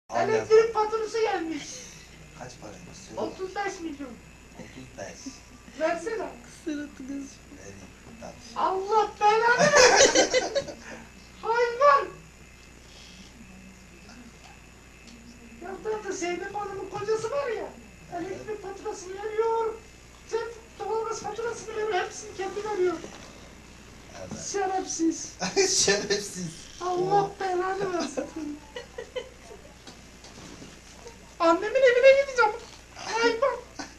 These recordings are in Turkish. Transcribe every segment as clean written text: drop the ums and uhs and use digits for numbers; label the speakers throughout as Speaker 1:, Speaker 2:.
Speaker 1: Aynen.
Speaker 2: Elektrik faturası gelmiş.
Speaker 1: Kaç para istiyorsun?
Speaker 2: 35 milyon.
Speaker 1: 35.
Speaker 2: Versene.
Speaker 3: Suratınız.
Speaker 1: Vereyim. Tamam.
Speaker 2: Allah belanı versin. Hayvan. Ya da Zeynep Hanım'ın kocası var ya. Elektrik faturasını veriyor. Doğalgaz faturasını veriyor. Hepsini kendi veriyor.
Speaker 1: Evet.
Speaker 2: Şerefsiz.
Speaker 1: Şerefsiz.
Speaker 2: Allah belanı versin. Annemin evine gideceğim. Hayvan.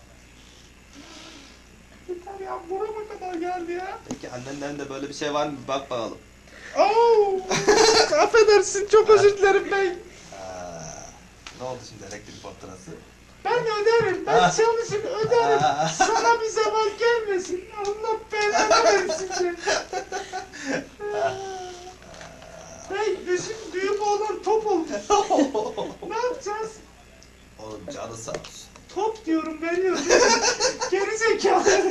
Speaker 2: Yeter ya, burama kadar geldi ya.
Speaker 1: Peki annenden de böyle bir şey var mı? Bir bak bakalım.
Speaker 2: Oo, affedersin, çok özür dilerim bey.
Speaker 1: Ne oldu şimdi elektrik faturası?
Speaker 2: Ben öderim, ben çalışır öderim. Sana bir zaman gelmesin. Allah belanı versin seni. Bey, bizim büyük oğlan top oldu. Ne yapacağız?
Speaker 1: Oğlum canı sağ olsun.
Speaker 2: Top diyorum, veriyorum. Geri zekalı.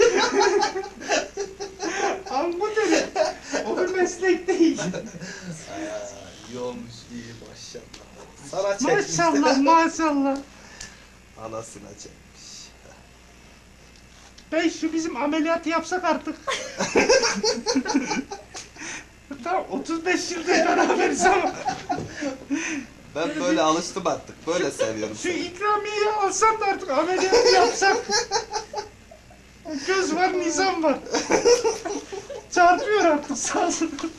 Speaker 2: Angut dedim. O bir meslek değil.
Speaker 1: İyi olmuş, iyi maşallah. Sana çekmiş.
Speaker 2: Maşallah, maşallah.
Speaker 1: Anasına çekmiş.
Speaker 2: Bey, şu bizim ameliyatı yapsak artık. Tamam, 35 yıldır beraberiz ama.
Speaker 1: Ben böyle alıştım artık. Böyle seviyorum
Speaker 2: Şu
Speaker 1: seni.
Speaker 2: ikramiyeyi alsam da artık ameliyatı yapsak. Göz var, nizam var. Çarpıyor artık, sağ olsun.